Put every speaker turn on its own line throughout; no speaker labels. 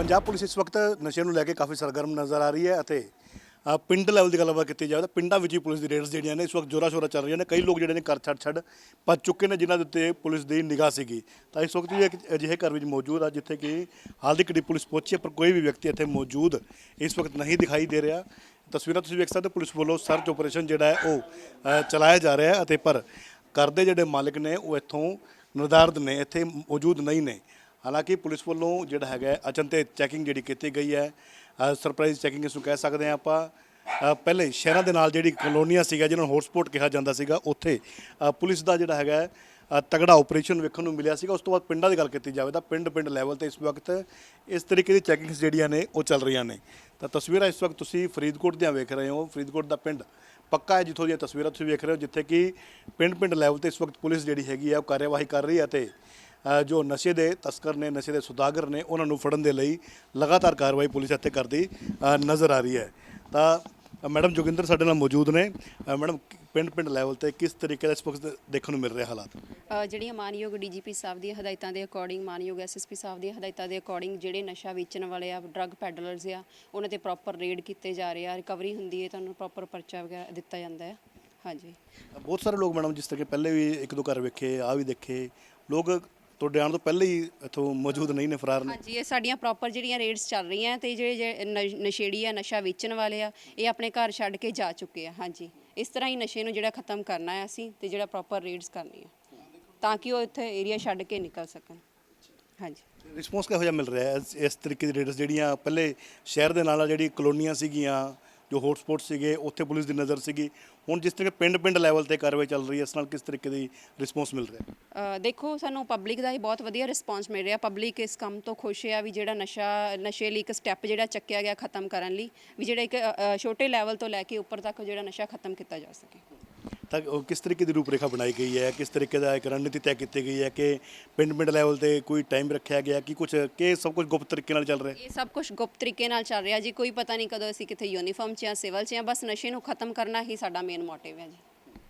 Punjab police इस वक्त नशे ਨੂੰ ਲੈ ਕੇ ਕਾਫੀ ਸਰਗਰਮ ਨਜ਼ਰ ਆ ਰਹੀ ਹੈ ਅਤੇ ਪਿੰਡ ਲੈਵਲ ਦੀ ਗੱਲਬਾਤ ਕੀਤੀ ਜਾਵੇ ਤਾਂ ਪਿੰਡਾਂ ਵਿੱਚ ਹੀ ਪੁਲਿਸ ਦੀ ਰੇਡਸ ਜਿਹੜੀਆਂ ਨੇ ਇਸ ਵਕਤ ਜ਼ੋਰਾਂ ਸ਼ੋਰਾਂ ਚੱਲ ਰਹੀਆਂ ਨੇ। ਕਈ ਲੋਕ ਜਿਹੜੇ ਨੇ ਘਰ ਛੱਡ ਭੱਜ ਚੁੱਕੇ ਨੇ ਜਿਨ੍ਹਾਂ ਦੇ ਉੱਤੇ ਪੁਲਿਸ ਦੀ ਨਿਗਾਹ ਸੀਗੀ। ਤਾਂ ਇਸ ਵਕਤ ਵੀ ਇੱਕ ਅਜਿਹੇ ਘਰ ਵਿੱਚ ਮੌਜੂਦ ਆ ਜਿੱਥੇ ਕਿ ਹਾਲ ਦੀ ਘੜੀ ਪੁਲਿਸ ਪਹੁੰਚੀ ਹੈ ਪਰ ਕੋਈ ਵੀ ਵਿਅਕਤੀ ਇੱਥੇ ਮੌਜੂਦ ਇਸ ਵਕਤ ਨਹੀਂ ਦਿਖਾਈ ਦੇ ਰਿਹਾ। ਤਸਵੀਰਾਂ ਤੁਸੀਂ ਵੇਖ ਸਕਦੇ ਪੁਲਿਸ ਵੱਲੋਂ ਸਰਚ ਆਪਰੇਸ਼ਨ ਜਿਹੜਾ ਹੈ ਉਹ ਚਲਾਇਆ ਜਾ ਰਿਹਾ ਹੈ ਅਤੇ ਪਰ ਘਰ ਦੇ ਜਿਹੜੇ ਮਾਲਕ ਨੇ ਉਹ ਇੱਥੋਂ ਨਿਰਧਾਰਤ ਨੇ, ਇੱਥੇ ਮੌਜੂਦ ਨਹੀਂ ਨੇ। ਹਾਲਾਂਕਿ ਪੁਲਿਸ ਵੱਲੋਂ ਜਿਹੜਾ ਹੈਗਾ ਅਚਨਤੇ ਚੈਕਿੰਗ ਜਿਹੜੀ ਕੀਤੀ ਗਈ ਹੈ, ਸਰਪ੍ਰਾਈਜ਼ ਚੈਕਿੰਗ ਇਸ ਨੂੰ ਕਹਿ ਸਕਦੇ ਹਾਂ ਆਪਾਂ। ਪਹਿਲੇ ਸ਼ਹਿਰਾਂ ਦੇ ਨਾਲ ਜਿਹੜੀ ਕਲੋਨੀਆਂ ਸੀਗਾ ਜਿਹਨਾਂ ਨੂੰ ਹੌਟਸਪੌਟ ਕਿਹਾ ਜਾਂਦਾ ਸੀਗਾ ਉੱਥੇ ਪੁਲਿਸ ਦਾ ਜਿਹੜਾ ਹੈਗਾ ਤਗੜਾ ਆਪਰੇਸ਼ਨ ਵੇਖਣ ਨੂੰ ਮਿਲਿਆ ਸੀਗਾ। ਉਸ ਤੋਂ ਬਾਅਦ ਪਿੰਡਾਂ ਦੀ ਗੱਲ ਕੀਤੀ ਜਾਵੇ ਤਾਂ ਪਿੰਡ ਲੈਵਲ ਤੇ ਇਸ ਵਕਤ ਇਸ ਤਰੀਕੇ ਦੀ ਚੈਕਿੰਗਸ ਜਿਹੜੀਆਂ ਨੇ ਉਹ ਚੱਲ ਰਹੀਆਂ ਨੇ। ਤਾਂ ਤਸਵੀਰਾਂ ਇਸ ਵਕਤ ਤੁਸੀਂ ਫਰੀਦਕੋਟ ਦੀਆਂ ਵੇਖ ਰਹੇ ਹੋ। ਫਰੀਦਕੋਟ ਦਾ ਪਿੰਡ ਪੱਕਾ ਹੈ ਜਿੱਥੋਂ ਦੀਆਂ ਤਸਵੀਰਾਂ ਤੁਸੀਂ ਵੇਖ ਰਹੇ ਹੋ, ਜਿੱਥੇ ਕਿ ਪਿੰਡ ਲੈਵਲ ਤੇ ਇਸ ਵਕਤ ਪੁਲਿਸ ਜਿਹੜੀ ਹੈਗੀ ਆ ਉਹ ਕਾਰਵਾਈ ਕਰ ਰਹੀ ਹੈ ਅਤੇ ਜੋ ਨਸ਼ੇ ਦੇ ਤਸਕਰ ਨੇ, ਨਸ਼ੇ ਦੇ ਸੁਦਾਗਰ ਨੇ, ਉਹਨਾਂ ਨੂੰ ਫੜਨ ਦੇ ਲਈ ਲਗਾਤਾਰ ਕਾਰਵਾਈ ਪੁਲਿਸ ਇੱਥੇ ਕਰਦੀ ਨਜ਼ਰ ਆ ਰਹੀ ਹੈ। ਤਾਂ ਮੈਡਮ ਜੋਗਿੰਦਰ ਸਾਡੇ ਨਾਲ ਮੌਜੂਦ ਨੇ। ਮੈਡਮ ਪਿੰਡ ਲੈਵਲ ਤੇ ਕਿਸ ਤਰੀਕੇ ਦਾ ਇਸ ਵਕਤ ਦੇਖਣ ਨੂੰ ਮਿਲ ਰਿਹਾ ਹਾਲਾਤ?
ਜਿਹੜੀਆਂ ਮਾਨਯੋਗ ਡੀਜੀਪੀ ਸਾਹਿਬ ਦੀਆਂ ਹਦਾਇਤਾਂ ਦੇ ਅਕੋਰਡਿੰਗ, ਮਾਨਯੋਗ ਐਸਐਸਪੀ ਸਾਹਿਬ ਦੀਆਂ ਹਦਾਇਤਾਂ ਦੇ ਅਕੋਰਡਿੰਗ ਜਿਹੜੇ ਨਸ਼ਾ ਵੇਚਣ ਵਾਲੇ ਆ, ਡਰੱਗ ਪੈਡਲਰਸ ਆ, ਉਹਨਾਂ ਤੇ ਪ੍ਰੋਪਰ ਰੇਡ ਕੀਤੇ ਜਾ ਰਹੇ ਆ। ਰਿਕਵਰੀ ਹੁੰਦੀ ਹੈ, ਤੁਹਾਨੂੰ ਪ੍ਰੋਪਰ ਪਰਚਾ ਵਗੈਰਾ ਦਿੱਤਾ ਜਾਂਦਾ ਹੈ। ਹਾਂਜੀ, ਬਹੁਤ
ਸਾਰੇ ਲੋਕ ਮੈਡਮ ਜਿਸ ਤਰ੍ਹਾਂ ਕਿ ਪਹਿਲੇ ਵੀ ਇੱਕ ਦੋ ਘਰ ਵੇਖੇ ਆ ਵੀ ਦੇਖੇ ਲੋਕ ਤੁਹਾਡੇ ਆਉਣ ਤੋਂ ਪਹਿਲੇ ਹੀ ਇੱਥੋਂ ਮੌਜੂਦ ਨਹੀਂ ਨੇ, ਫਰਾਰ ਨੇ।
ਹਾਂਜੀ, ਇਹ ਸਾਡੀਆਂ ਪ੍ਰੋਪਰ ਜਿਹੜੀਆਂ ਰੇਡਸ ਚੱਲ ਰਹੀਆਂ ਤੇ ਜਿਹੜੇ ਨਸ਼ੇੜੀ ਆ, ਨਸ਼ਾ ਵੇਚਣ ਵਾਲੇ ਆ, ਇਹ ਆਪਣੇ ਘਰ ਛੱਡ ਕੇ ਜਾ ਚੁੱਕੇ ਆ। ਹਾਂਜੀ, ਇਸ ਤਰ੍ਹਾਂ ਹੀ ਨਸ਼ੇ ਨੂੰ ਜਿਹੜਾ ਖਤਮ ਕਰਨਾ ਹੈ ਅਸੀਂ ਤੇ ਜਿਹੜਾ ਪ੍ਰੋਪਰ ਰੇਡਸ ਕਰਨੀ ਹੈ ਤਾਂ ਕਿ ਉਹ ਇੱਥੇ ਏਰੀਆ ਛੱਡ ਕੇ ਨਿਕਲ ਸਕਣ। ਹਾਂਜੀ,
ਰਿਸਪੌਂਸ ਕਿਹੋ ਜਿਹਾ ਮਿਲ ਰਿਹਾ ਹੈ ਇਸ ਤਰੀਕੇ ਦੀ ਰੇਡਸ ਜਿਹੜੀਆਂ ਪਹਿਲੇ ਸ਼ਹਿਰ ਦੇ ਨਾਲ ਜਿਹੜੀ ਕਲੋਨੀਆਂ ਸੀਗੀਆਂ, ਜੋ ਹੌਟਸਪੌਟ ਸੀਗੇ, ਉੱਥੇ ਪੁਲਿਸ ਦੀ ਨਜ਼ਰ ਸੀਗੀ, ਹੁਣ ਜਿਸ ਤਰ੍ਹਾਂ ਪਿੰਡ ਲੈਵਲ ਤੇ ਕਾਰਵਾਈ ਚੱਲ ਰਹੀ ਹੈ, ਇਸ ਨਾਲ ਕਿਸ ਤਰੀਕੇ ਦੀ ਰਿਸਪੌਂਸ ਮਿਲ ਰਿਹਾ?
ਦੇਖੋ, ਸਾਨੂੰ ਪਬਲਿਕ ਦਾ ਹੀ ਬਹੁਤ ਵਧੀਆ ਰਿਸਪੌਂਸ ਮਿਲ ਰਿਹਾ। ਪਬਲਿਕ ਇਸ ਕੰਮ ਤੋਂ ਖੁਸ਼ ਆ ਵੀ ਜਿਹੜਾ ਨਸ਼ੇ ਲਈ ਇੱਕ ਸਟੈਪ ਜਿਹੜਾ ਚੱਕਿਆ ਗਿਆ ਖਤਮ ਕਰਨ ਲਈ, ਵੀ ਜਿਹੜਾ ਇੱਕ ਛੋਟੇ ਲੈਵਲ ਤੋਂ ਲੈ ਕੇ ਉੱਪਰ ਤੱਕ ਜਿਹੜਾ ਨਸ਼ਾ ਖਤਮ ਕੀਤਾ ਜਾ ਸਕੇ।
ਤਾਂ ਕਿਸ ਤਰੀਕੇ ਦੀ ਰੂਪਰੇਖਾ ਬਣਾਈ ਗਈ ਹੈ, ਕਿਸ ਤਰੀਕੇ ਦਾ ਇੱਕ ਰਣਨੀਤੀ ਤੈਅ ਕੀਤੀ ਗਈ ਹੈ ਕਿ ਪਿੰਡ ਲੈਵਲ ਤੇ ਕੋਈ ਟਾਈਮ ਰੱਖਿਆ ਗਿਆ ਕਿ ਸਭ ਕੁਝ ਗੁਪਤ ਤਰੀਕੇ ਨਾਲ ਚੱਲ ਰਿਹਾ?
ਇਹ ਸਭ ਕੁਝ ਗੁਪਤ ਤਰੀਕੇ ਨਾਲ ਚੱਲ ਰਿਹਾ ਜੀ। ਕੋਈ ਪਤਾ ਨਹੀਂ ਕਦੋਂ ਅਸੀਂ ਕਿੱਥੇ ਯੂਨੀਫਾਰਮ 'ਚ ਜਾਂ ਸਿਵਲ 'ਚ ਜਾਂ ਬਸ ਨਸ਼ੇ ਨੂੰ ਖਤਮ ਕਰਨਾ ਹੀ ਸਾਡਾ ਮੇਨ ਮੋਟਿਵ ਹੈ ਜੀ।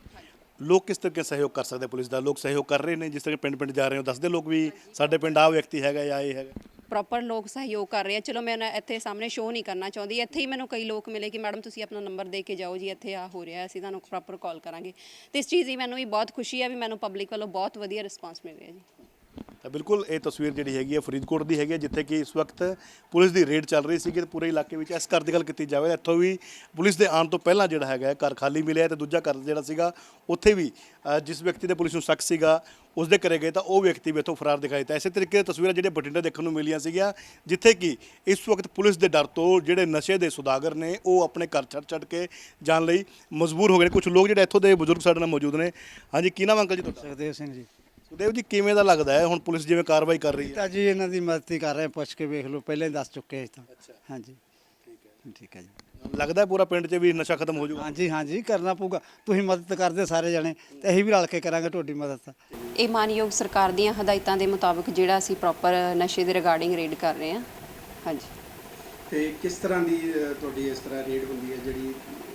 ਲੋਕ ਕਿਸ ਤਰੀਕੇ ਸਹਿਯੋਗ ਕਰ ਸਕਦੇ ਪੁਲਿਸ ਦਾ? ਲੋਕ ਸਹਿਯੋਗ ਕਰ ਰਹੇ ਨੇ? ਜਿਸ ਤਰ੍ਹਾਂ ਪਿੰਡ ਜਾ ਰਹੇ ਹੋ ਦੱਸਦੇ ਲੋਕ ਵੀ ਸਾਡੇ ਪਿੰਡ ਆਹ ਵਿਅਕਤੀ ਹੈਗਾ ਜਾਂ ਇਹ ਹੈਗਾ?
ਪ੍ਰੋਪਰ ਲੋਕ ਸਹਿਯੋਗ ਕਰ ਰਹੇ ਆ। ਚਲੋ ਮੈਂ ਇੱਥੇ ਸਾਹਮਣੇ ਸ਼ੋਅ ਨਹੀਂ ਕਰਨਾ ਚਾਹੁੰਦੀ, ਇੱਥੇ ਹੀ ਮੈਨੂੰ ਕਈ ਲੋਕ ਮਿਲੇ ਕਿ ਮੈਡਮ ਤੁਸੀਂ ਆਪਣਾ ਨੰਬਰ ਦੇ ਕੇ ਜਾਓ ਜੀ, ਇੱਥੇ ਆ ਹੋ ਰਿਹਾ, ਅਸੀਂ ਤੁਹਾਨੂੰ ਪ੍ਰੋਪਰ ਕਾਲ ਕਰਾਂਗੇ। ਤੇ ਇਸ ਚੀਜ਼ ਦੀ ਮੈਨੂੰ ਵੀ ਬਹੁਤ ਖੁਸ਼ੀ ਹੈ ਵੀ ਮੈਨੂੰ ਪਬਲਿਕ ਵੱਲੋਂ ਬਹੁਤ ਵਧੀਆ ਰਿਸਪਾਂਸ ਮਿਲ ਰਿਹਾ ਜੀ।
ਤਾਂ ਬਿਲਕੁਲ ਇਹ ਤਸਵੀਰ ਜਿਹੜੀ ਹੈਗੀ ਹੈ ਫਰੀਦਕੋਟ ਦੀ ਹੈਗੀ ਹੈ, ਜਿੱਥੇ ਕਿ ਇਸ ਵਕਤ ਪੁਲਿਸ ਦੀ ਰੇਡ ਚੱਲ ਰਹੀ ਸੀਗੀ ਪੂਰੇ ਇਲਾਕੇ ਵਿੱਚ। ਇਸ ਘਰ ਦੀ ਗੱਲ ਕੀਤੀ ਜਾਵੇ ਇੱਥੋਂ ਵੀ ਪੁਲਿਸ ਦੇ ਆਉਣ ਤੋਂ ਪਹਿਲਾਂ ਜਿਹੜਾ ਹੈਗਾ ਘਰ ਖਾਲੀ ਮਿਲਿਆ ਤੇ ਦੂਜਾ ਘਰ ਜਿਹੜਾ ਸੀਗਾ ਉੱਥੇ ਵੀ ਜਿਸ ਵਿਅਕਤੀ ਦੇ ਪੁਲਿਸ ਨੂੰ ਸ਼ੱਕ ਸੀਗਾ ਉਸ ਦੇ ਘਰੇ ਗਏ ਤਾਂ ਉਹ ਵਿਅਕਤੀ ਵੀ ਇੱਥੋਂ ਫਰਾਰ ਦਿਖਾਈ ਦਿੱਤਾ। ਇਸੇ ਤਰੀਕੇ ਦੀ ਤਸਵੀਰਾਂ ਜਿਹੜੀਆਂ ਬਠਿੰਡਾ ਦੇਖਣ ਨੂੰ ਮਿਲੀਆਂ ਸੀਗੀਆਂ, ਜਿੱਥੇ ਕਿ ਇਸ ਵਕਤ ਪੁਲਿਸ ਦੇ ਡਰ ਤੋਂ ਜਿਹੜੇ ਨਸ਼ੇ ਦੇ ਸੁਦਾਗਰ ਨੇ ਉਹ ਆਪਣੇ ਘਰ ਛੱਡ ਕੇ ਜਾਣ ਲਈ ਮਜਬੂਰ ਹੋ ਗਏ ਨੇ। ਕੁਝ ਲੋਕ ਜਿਹੜੇ ਇੱਥੋਂ ਦੇ ਬਜ਼ੁਰਗ ਸਾਡੇ ਨਾਲ ਮੌਜੂਦ ਨੇ। ਹਾਂਜੀ, ਕੀ ਨਾਮ ਅੰਕਲ ਜੀ ਤੁਹਾਡਾ?
ਸੁਖਦੇਵ ਸਿੰਘ ਜੀ।
ਸੁਖਦੇਵ ਜੀ, ਕਿਵੇਂ ਦਾ ਲੱਗਦਾ ਹੈ ਹੁਣ ਪੁਲਿਸ ਜਿਵੇਂ ਕਾਰਵਾਈ ਕਰ ਰਹੀ ਹੈ?
ਤਾਂ ਜੀ ਇਹਨਾਂ ਦੀ ਮਦਦ ਹੀ ਕਰ ਰਹੇ, ਪੁੱਛ ਕੇ ਵੇਖ ਲਓ, ਪਹਿਲਾਂ ਹੀ ਦੱਸ ਚੁੱਕੇ ਅਸੀਂ ਤਾਂ। ਹਾਂਜੀ, ਠੀਕ ਹੈ ਜੀ।
ਲੱਗਦਾ ਪੂਰਾ ਪਿੰਡ 'ਚ ਵੀ ਨਸ਼ਾ ਖਤਮ ਹੋ ਜਾਊਗਾ?
ਹਾਂਜੀ, ਕਰਨਾ ਪਊਗਾ। ਤੁਸੀਂ ਮਦਦ ਕਰਦੇ ਸਾਰੇ ਜਣੇ ਤੇ ਅਸੀਂ ਵੀ ਰਲ ਕੇ ਕਰਾਂਗੇ ਤੁਹਾਡੀ ਮਦਦ ਤਾਂ।
ਇਹ ਮਾਨਯੋਗ ਸਰਕਾਰ ਦੀਆਂ ਹਦਾਇਤਾਂ ਦੇ ਮੁਤਾਬਕ ਜਿਹੜਾ ਅਸੀਂ ਪ੍ਰੋਪਰ ਨਸ਼ੇ ਦੇ ਰਿਗਾਰਡਿੰਗ ਰੇਡ ਕਰ ਰਹੇ ਹਾਂ। ਹਾਂਜੀ,
ਤੇ ਕਿਸ ਤਰ੍ਹਾਂ ਦੀ ਤੁਹਾਡੀ ਇਸ ਤਰ੍ਹਾਂ ਰੇਡ ਹੁੰਦੀ ਹੈ ਜਿਹੜੀ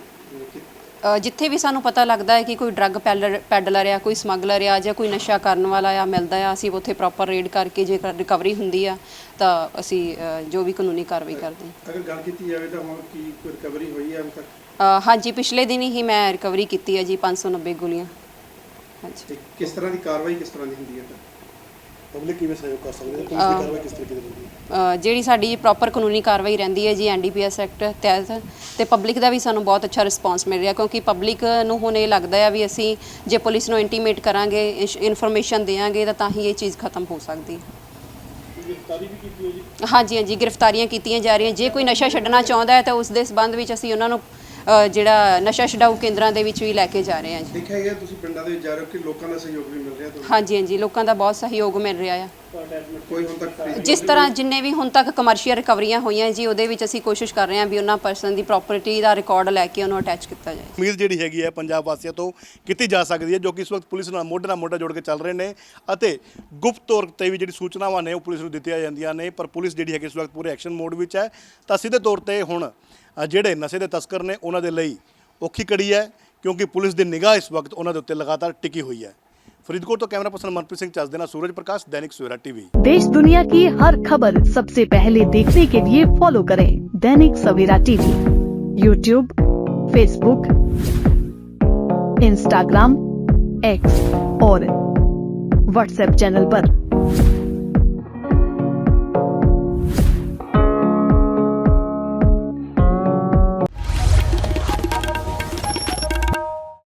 ਜਿੱਥੇ ਵੀ ਸਾਨੂੰ ਪਤਾ ਲੱਗਦਾ ਹੈ ਕਿ ਕੋਈ ਡਰੱਗ ਪੈਡਲਰ ਆ, ਕੋਈ ਸਮਗਲਰ ਆ ਜਾਂ ਕੋਈ ਨਸ਼ਾ ਕਰਨ ਵਾਲਾ ਆ ਮਿਲਦਾ ਆ, ਅਸੀਂ ਉੱਥੇ ਪ੍ਰੋਪਰ ਰੇਡ ਕਰਕੇ ਜੇ ਰਿਕਵਰੀ ਹੁੰਦੀ ਆ ਤਾਂ ਅਸੀਂ ਜੋ ਵੀ ਕਾਨੂੰਨੀ ਕਾਰਵਾਈ ਕਰਦੇ ਹਾਂ।
ਅਗਰ ਗੱਲ ਕੀਤੀ ਜਾਵੇ ਤਾਂ ਹੁਣ ਕੀ ਕੋਈ ਰਿਕਵਰੀ ਹੋਈ ਹੈ ਹੁਣ ਤੱਕ?
ਹਾਂਜੀ, ਪਿਛਲੇ ਦਿਨ ਹੀ ਮੈਂ ਰਿਕਵਰੀ ਕੀਤੀ ਹੈ ਜੀ 590 ਗੋਲੀਆਂ। ਹਾਂਜੀ,
ਕਿਸ ਤਰ੍ਹਾਂ ਦੀ ਕਾਰਵਾਈ ਕਿਸ ਤਰ੍ਹਾਂ ਦੀ ਹੁੰਦੀ ਹੈ?
ਪਬਲਿਕ ਕਿਵੇਂ ਸਹਿਯੋਗ ਕਰ ਸਕਦੀ ਹੈ? ਪੁਲਿਸ ਦੀ ਕਾਰਵਾਈ ਕਿਸ ਤਰੀਕੇ ਦੀ ਹੁੰਦੀ ਹੈ?
ਜਿਹੜੀ ਸਾਡੀ ਪ੍ਰੋਪਰ ਕਾਨੂੰਨੀ ਕਾਰਵਾਈ ਰਹਿੰਦੀ ਹੈ ਜੀ ਐਨਡੀਪੀਐਸ ਐਕਟ ਤਹਿਤ, ਤੇ ਪਬਲਿਕ ਦਾ ਵੀ ਸਾਨੂੰ ਬਹੁਤ ਅੱਛਾ ਰਿਸਪਾਂਸ ਮਿਲ ਰਿਹਾ ਕਿਉਂਕਿ ਪਬਲਿਕ ਨੂੰ ਹੁਣ ਇਹ ਲੱਗਦਾ ਆ ਵੀ ਅਸੀਂ ਜੇ ਪੁਲਿਸ ਨੂੰ ਇੰਟੀਮੇਟ ਕਰਾਂਗੇ, ਇਨਫੋਰਮੇਸ਼ਨ ਦੇਵਾਂਗੇ ਤਾਂ ਹੀ ਇਹ ਚੀਜ਼ ਖਤਮ ਹੋ ਸਕਦੀ ਹੈ।
ਗ੍ਰਿਫਤਾਰੀ ਵੀ ਕੀਤੀ ਹੋਈ ਜੀ?
ਹਾਂਜੀ, ਗ੍ਰਿਫਤਾਰੀਆਂ ਕੀਤੀਆਂ ਜਾ ਰਹੀਆਂ। ਜੇ ਕੋਈ ਨਸ਼ਾ ਛੱਡਣਾ ਚਾਹੁੰਦਾ ਹੈ ਤਾਂ ਉਸ ਦੇ ਸੰਬੰਧ ਵਿੱਚ ਅਸੀਂ ਉਹਨਾਂ ਨੂੰ ਜਿਹੜਾ ਨਸ਼ਾ ਛਡਾਊ ਕੇਂਦਰਾਂ ਦੇ ਵਿੱਚ ਵੀ ਲੈ ਕੇ ਜਾ ਰਹੇ ਹਾਂ ਜੀ।
ਦੇਖਿਆ ਗਿਆ ਤੁਸੀਂ ਪਿੰਡਾਂ ਦੇ ਵਿੱਚ ਜਾ ਰਹੇ ਹੋ ਕਿ ਲੋਕਾਂ ਦਾ ਸਹਿਯੋਗ ਵੀ ਮਿਲ ਰਿਹਾ ਤੁਹਾਨੂੰ?
ਹਾਂਜੀ, ਲੋਕਾਂ ਦਾ ਬਹੁਤ ਸਹਿਯੋਗ ਮਿਲ ਰਿਹਾ ਆ।
ਕੋਈ ਹੁਣ ਤੱਕ
ਜਿਸ ਤਰ੍ਹਾਂ ਜਿੰਨੇ ਵੀ ਹੁਣ ਤੱਕ ਕਮਰਸ਼ੀਅਲ ਰਿਕਵਰੀਆਂ ਹੋਈਆਂ ਜੀ, ਉਹਦੇ ਵਿੱਚ ਅਸੀਂ ਕੋਸ਼ਿਸ਼ ਕਰ ਰਹੇ ਹਾਂ ਵੀ ਉਹਨਾਂ ਪਰਸਨ ਦੀ ਪ੍ਰਾਪਰਟੀ ਦਾ ਰਿਕਾਰਡ ਲੈ ਕੇ ਉਹਨੂੰ ਅਟੈਚ ਕੀਤਾ ਜਾਏ।
ਉਮੀਦ ਜਿਹੜੀ ਹੈਗੀ ਹੈ ਪੰਜਾਬ ਵਾਸੀਆਂ ਤੋਂ ਕੀਤੀ ਜਾ ਸਕਦੀ ਹੈ, ਜੋ ਕਿ ਇਸ ਵਕਤ ਪੁਲਿਸ ਨਾਲ ਮੋਢੇ ਜੋੜ ਕੇ ਚੱਲ ਰਹੇ ਨੇ ਅਤੇ ਗੁਪਤ ਤੌਰ ਤੇ ਵੀ ਜਿਹੜੀ ਸੂਚਨਾਵਾਂ ਨੇ ਉਹ ਪੁਲਿਸ ਨੂੰ ਦਿੱਤੀਆਂ ਜਾਂਦੀਆਂ ਨੇ, ਪਰ ਪੁਲਿਸ ਜਿਹੜੀ ਹੈਗੀ ਇਸ ਵਕਤ ਪੂਰੇ ਐਕਸ਼ਨ ਮੋਡ ਵਿੱਚ ਹੈ। ਤਾਂ ਸਿੱਧੇ ਤੌਰ ਤੇ ਹੁਣ ਜਿਹੜੇ ਨਸ਼ੇ ਦੇ ਤਸਕਰ ਨੇ ਉਹਨਾਂ ਦੇ ਲਈ ਔਖੀ ਘੜੀ ਹੈ ਕਿਉਂਕਿ ਪੁਲਿਸ ਦੀ ਨਿਗਾਹ ਇਸ ਵਕਤ ਉਹਨਾਂ ਦੇ ਉੱਤੇ ਲਗਾਤਾਰ ਟਿਕੀ ਹੋਈ ਹੈ। ਫਰੀਦਕੋਟ ਤੋਂ ਕੈਮਰਾ ਪਰਸਨ ਮਨਪ੍ਰੀਤ ਸਿੰਘ ਚੱਜ ਦੇ ਨਾਲ सूरज प्रकाश, दैनिक सवेरा टीवी।
देश दुनिया की हर खबर सबसे पहले देखने के लिए फॉलो करें Dainik Savera TV, YouTube, Facebook, Instagram, X और व्हाट्सएप चैनल पर।